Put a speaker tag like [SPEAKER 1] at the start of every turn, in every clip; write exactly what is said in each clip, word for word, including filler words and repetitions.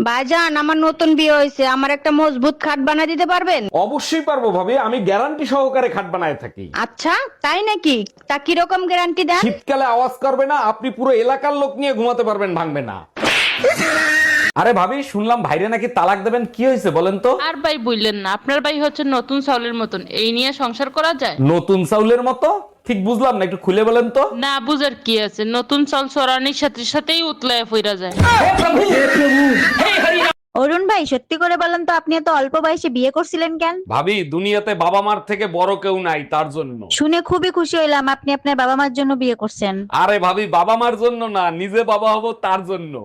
[SPEAKER 1] ভাইজান, আমার নতুন বিয়ে হয়েছে, আমার একটা মজবুত খাট বানিয়ে দিতে পারবেন?
[SPEAKER 2] অবশ্যই পারবো ভাবি, আমি গ্যারান্টি সহকারে খাট বানায় থাকি।
[SPEAKER 1] আচ্ছা, তাই নাকি? তা কিরকম গ্যারান্টি দেন?
[SPEAKER 2] শীতকালে আওয়াজ করবে না, আপনি পুরো এলাকার লোক নিয়ে ঘুমাতে পারবেন, ভাঙবে না। আরে ভাবি, শুনলাম ভাইরে নাকি তালাক দেবেন, কি হয়েছে বলেন তো?
[SPEAKER 3] আর ভাই বললেন না, আপনার ভাই হচ্ছে নতুন চাউলের মতন, এই নিয়ে সংসার করা যায়?
[SPEAKER 2] নতুন চাউলের মতো? ঠিক বুঝলাম না, একটু খুলে বলেন তো।
[SPEAKER 3] না বুঝার কি আছে, নতুন চাল চড়ানির সাথে সাথেই উতলায় ফিরা যায়।
[SPEAKER 4] অরুণ ভাই, সত্যি করে বলেন তো, আপনি এত অল্প বয়সে বিয়ে করছিলেন কেন?
[SPEAKER 2] ভাবি, দুনিয়াতে বাবা মার থেকে বড় কেউ নাই, তার জন্য।
[SPEAKER 4] শুনে খুবই খুশি হইলাম আপনি আপনার বাবা মার জন্য বিয়ে করছেন।
[SPEAKER 2] আরে ভাবি, বাবা মার জন্য না, নিজে বাবা হব তার জন্য।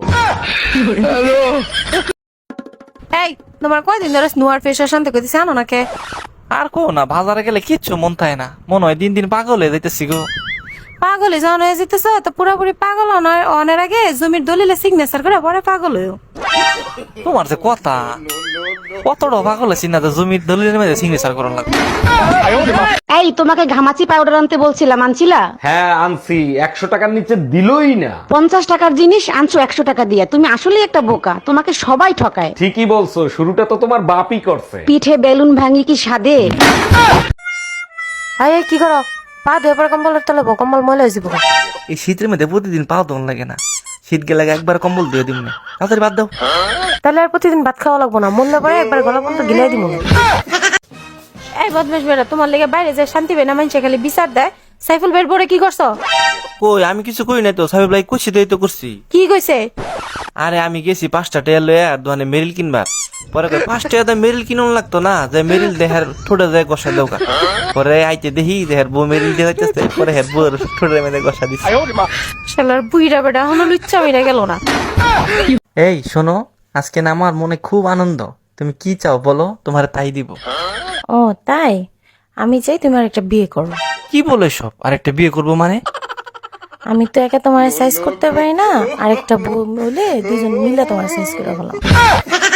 [SPEAKER 5] এই তোমার কয়দিন ধরে স্নোয়ার ফেস শান্তি করতেছে আনো নাকে?
[SPEAKER 6] আর কো না, বাজারে গেলে কিচ্ছু মন থাকে না, মনে হয় দিন দিন পাগল হয়ে যাইতেছি গো।
[SPEAKER 5] পাগলে যখন হয়ে যেতেছ তো পুরোপুরি পাগল নয়, অনের আগে জমির দলিলে সিগনেচার করে পরে পাগল হয়েও।
[SPEAKER 6] তোমার যে কথা, কতটা পাগল আছি না, যে জমির দলিলের মধ্যে সিগনেচার করার লাগবে।
[SPEAKER 1] এই, তোমাকে ঘামাচি পাউডার আনতে বলছিলাম, আনছিলা?
[SPEAKER 2] হ্যাঁ আনছি, একশো টাকার নিচে দিলই না।
[SPEAKER 1] পঞ্চাশ টাকার জিনিস আনছো একশো টাকা দিয়ে, তুমি আসলেই একটা বোকা, তোমাকে সবাই ঠকায়।
[SPEAKER 2] ঠিকই বলছো, শুরুটা তো তোমার বাপই করছে।
[SPEAKER 1] পিঠে বেলুন ভাঙি কি সাদে?
[SPEAKER 5] এই কি করো? পা ধুয়ে পরে কম্বলের তলে বো, কম্বল ময়লা হয়ে যাবো।
[SPEAKER 6] এই শীতের মধ্যে প্রতিদিন পাও দন লাগে না, শীত গেলে একবার কম্বল দিয়ে দিব না, তাড়াতাড়ি বাদ দাও।
[SPEAKER 5] তাহলে আর প্রতিদিন ভাত খাওয়া লাগবো না, মূল্য করে একবার গলা পর্যন্ত গিলাই দিব। এই বদমাস বেড়া, তোমার লেগে বাইরে যে শান্তি বেনা মানুষে খালি বিচার দেয়। সাইফুল বের পরে কি করছো?
[SPEAKER 6] কই আমি কিছু কই নাই তো, সাহেব লাই কুছি দেই তো করছি।
[SPEAKER 5] কি কইছে?
[SPEAKER 6] আরে আমি গেছি পাঁচটা টেয়া লয়ে আর দোকানে মেরিল কিনবার, পরে কই পাঁচ টাকা মেরিল কিনুন লাগতো না, যে মেরিল দেহার ঠোঁটে যায় গসা দেওকা। পরে আইতে দেখি দেহার বউ মেরিল দিয়ে যাইতেছে, পরে হের বউর ঠোঁটের মধ্যে গসা দিচ্ছে।
[SPEAKER 5] শালার বুইরা বেটা এখনো লুচ্চা মিরা গেল না।
[SPEAKER 6] এই শোনো, আজকে না আমার মনে খুব আনন্দ, তুমি কি চাও বলো, তোমার তাই দিব।
[SPEAKER 5] ও তাই? আমি চাই তুমি আর একটা বিয়ে করো।
[SPEAKER 6] কি বলে সব, আর একটা বিয়ে করবো মানে?
[SPEAKER 5] আমি তো একা তোমার সাইজ করতে পারি না, আরেকটা বউ বলে দুজন মিলে তোমার সাইজ করে ফেলাম।